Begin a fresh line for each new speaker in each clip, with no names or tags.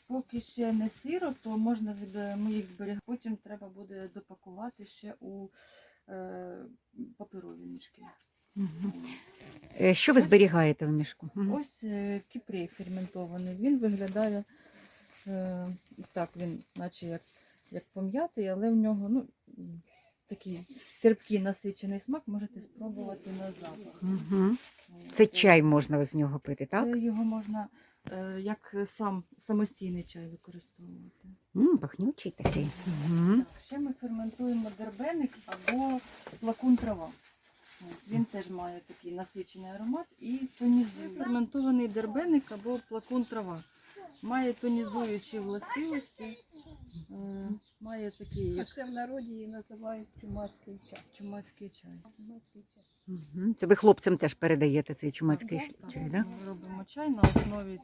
Поки ще не сиро, то можна їх зберігати. Потім треба буде допакувати ще у паперові мішки.
Угу. Що ви зберігаєте в мішку?
Ось кіпрей ферментований. Він виглядає так, він наче як пом'ятий, але в нього такий терпкий насичений смак, можете спробувати на запах.
Угу. Це чай можна з нього пити, так?
Це його можна як самостійний чай використовувати.
Пахнючий такий. Угу.
Так, ще ми ферментуємо дербеник або плакун трава. Він теж має такий насичений аромат і тонізує. Ферментований дербеник або плакун трава. Має тонізуючі властивості, має такий, як
Ще в народі її називають чумацький чай.
чумацький чай.
Угу. Це ви хлопцям теж передаєте цей чумацький
Так,
чай, так?
ми робимо чай на основі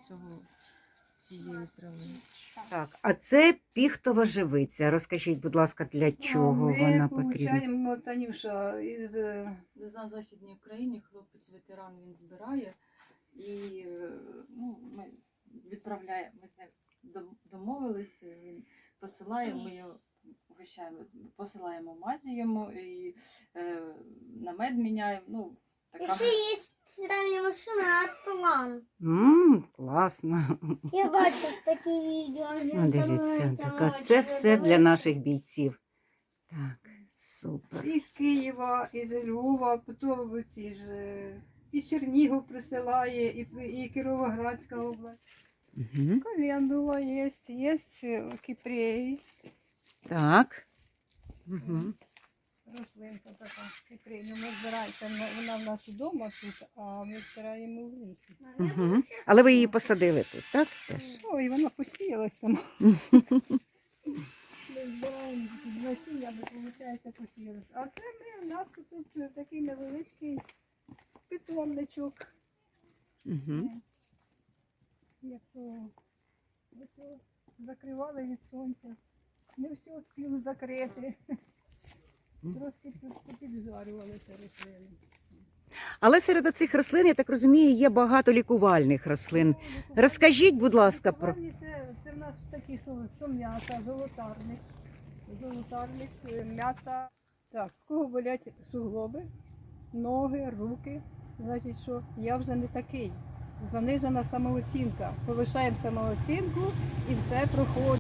цієї трави.
Так, а це піхтова живиця. Розкажіть, будь ласка, для чого вона потрібна?
Ми получаємо, Танюша, із
На Західній Україні хлопець-ветеран він збирає і ми відправляємо, ми з ним домовилися, він посилає, ми його угощаємо, посилаємо мазі йому і на мед міняємо. Така.
Ще є стиральна машина Атлан.
Класно.
Я бачив такі відео.
Дивіться, так, це все для наших бійців. Так, супер.
із Києва, із Львова, потім ці ж і Чернігів присилає, і Кіровоградська область.
Угу.
Календула є кіпрей.
Так. Угу.
Рослинка така кіпрей. Ми збираємо, вона в нас вдома тут, а ми збираємо в лісі.
Угу. Але ви її посадили тут, так? Теж?
Ой, вона посіялася сама. Ми збираємо з насіння, виходить, посіялася. А це у нас тут такий невеличкий питомничок.
Угу.
Як то все закривали від сонця. Не все спіли закрити. Трошки підзварювалися рослини.
Але серед оцих рослин, я так розумію, є багато лікувальних рослин. Розкажіть, будь ласка, про...
Це в нас такі, що м'ята, золотарник, м'ята. Так, в кого болять суглоби, ноги, руки, значить, що я вже не такий. Занижена самооцінка. Повишаємо самооцінку і все проходить.